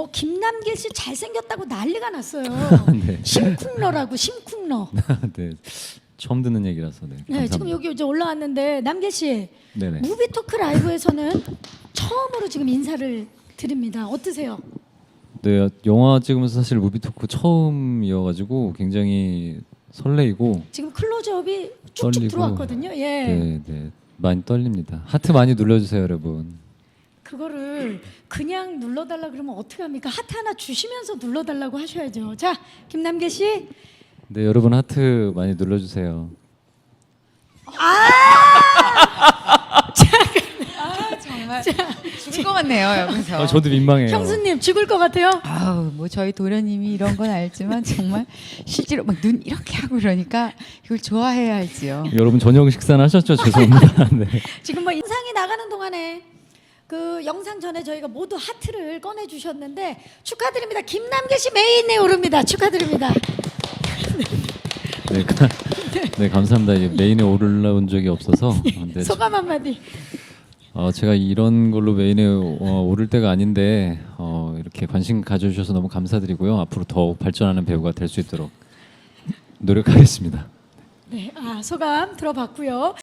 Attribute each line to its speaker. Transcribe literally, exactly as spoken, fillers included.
Speaker 1: 뭐 김남길 씨 잘생겼다고 난리가 났어요.
Speaker 2: 네.
Speaker 1: 심쿵러라고 심쿵러.
Speaker 2: 네. 처음 듣는 얘기라서 네.
Speaker 1: 네, 지금 여기 이제 올라왔는데 남길 씨
Speaker 2: 네네.
Speaker 1: 무비토크 라이브에서는 처음으로 지금 인사를 드립니다. 어떠세요?
Speaker 2: 네, 영화 찍으면서 사실 무비 토크 처음이어가지고 굉장히 설레이고
Speaker 1: 지금 클로즈업이 쭉쭉
Speaker 2: 떨리고.
Speaker 1: 들어왔거든요. 예.
Speaker 2: 네, 네, 많이 떨립니다. 하트 많이 눌러주세요, 여러분.
Speaker 1: 그거를 그냥 눌러달라 그러면 어떻게 합니까? 하트 하나 주시면서 눌러달라고 하셔야죠. 자, 김남길 씨.
Speaker 2: 네, 여러분 하트 많이 눌러주세요.
Speaker 1: 아,
Speaker 3: 정말 죽을 것 같네요 여기서.
Speaker 2: 아, 저도 민망해요.
Speaker 1: 형수님 죽을 것 같아요.
Speaker 3: 아우 뭐 저희 도련님이 이런 건 알지만 정말 실제로 막 눈 이렇게 하고 그러니까 이걸 좋아해야 할지요.
Speaker 2: 여러분 저녁 식사는 하셨죠? 죄송합니다. 네.
Speaker 1: 지금 뭐 인상이 나가는 동안에 그 영상 전에 저희가 모두 하트를 꺼내 주셨는데 축하드립니다. 김남길 씨 메인에 오릅니다. 축하드립니다.
Speaker 2: 네, 가, 네 감사합니다. 이게 메인에 올라온 적이 없어서. 네,
Speaker 1: 소감 한마디.
Speaker 2: 어, 제가 이런 걸로 메인에 어, 오를 때가 아닌데 어, 이렇게 관심 가져주셔서 너무 감사드리고요. 앞으로 더욱 발전하는 배우가 될 수 있도록 노력하겠습니다.
Speaker 1: 네, 아 소감 들어봤고요.